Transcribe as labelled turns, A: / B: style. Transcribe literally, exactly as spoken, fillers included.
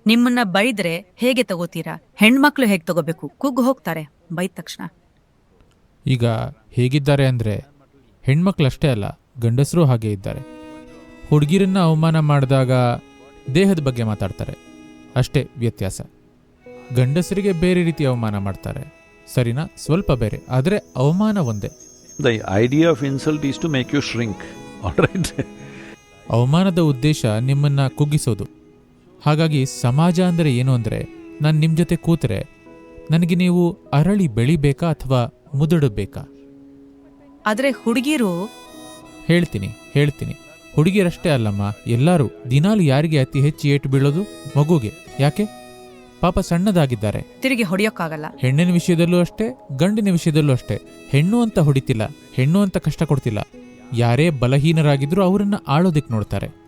A: ನಿಮ್ಮನ್ನ ಬೈದ್ರೆ ಹೇಗೆ ತಗೋತೀರಾ? ಹೆಣ್ಮಕ್ಳು ಹೇಗೆ ತಗೋಬೇಕು? ಕುಗ್ಗು ಹೋಗ್ತಾರೆ ಬೈದ ತಕ್ಷಣ.
B: ಈಗ ಹೇಗಿದ್ದಾರೆ ಅಂದರೆ ಹೆಣ್ಮಕ್ಳಷ್ಟೇ ಅಲ್ಲ, ಗಂಡಸರೂ ಹಾಗೆ ಇದ್ದಾರೆ. ಹುಡುಗಿರನ್ನ ಅವಮಾನ ಮಾಡಿದಾಗ ದೇಹದ ಬಗ್ಗೆ ಮಾತಾಡ್ತಾರೆ, ಅಷ್ಟೇ ವ್ಯತ್ಯಾಸ. ಗಂಡಸರಿಗೆ ಬೇರೆ ರೀತಿ ಅವಮಾನ ಮಾಡ್ತಾರೆ, ಸರಿನಾ? ಸ್ವಲ್ಪ ಬೇರೆ, ಆದರೆ ಅವಮಾನ ಒಂದೇ.
C: The idea of insult is to make you shrink, all right?
B: ಅವಮಾನದ ಉದ್ದೇಶ ನಿಮ್ಮನ್ನ ಕುಗ್ಗಿಸೋದು. ಹಾಗಾಗಿ ಸಮಾಜ ಅಂದರೆ ಏನು ಅಂದರೆ, ನಾನು ನಿಮ್ಮ ಜೊತೆ ಕೂತರೆ ನನಗೆ ನೀವು ಅರಳಿ ಬೆಳಿಬೇಕಾ ಅಥವಾ ಮುದುಡಬೇಕಾ?
A: ಆದ್ರೆ ಹುಡುಗಿರು
B: ಹೇಳ್ತೀನಿ ಹೇಳ್ತೀನಿ ಹುಡುಗಿಯರಷ್ಟೇ ಅಲ್ಲಮ್ಮ, ಎಲ್ಲರೂ. ದಿನಾಲು ಯಾರಿಗೆ ಅತಿ ಹೆಚ್ಚು ಏಟು ಬೀಳೋದು? ಮಗುಗೆ. ಯಾಕೆ? ಪಾಪ ಸಣ್ಣದಾಗಿದ್ದಾರೆ.
A: ತಿರುಗಿ ಹೊಡೆಯೋಕ್ಕಾಗಲ್ಲ.
B: ಹೆಣ್ಣಿನ ವಿಷಯದಲ್ಲೂ ಅಷ್ಟೇ, ಗಂಡಿನ ವಿಷಯದಲ್ಲೂ ಅಷ್ಟೇ. ಹೆಣ್ಣು ಅಂತ ಹೊಡಿತಿಲ್ಲ, ಹೆಣ್ಣು ಅಂತ ಕಷ್ಟ ಕೊಡ್ತಿಲ್ಲ. ಯಾರೇ ಬಲಹೀನರಾಗಿದ್ರೂ ಅವರನ್ನ ಆಳೋದಕ್ಕೆ ನೋಡ್ತಾರೆ.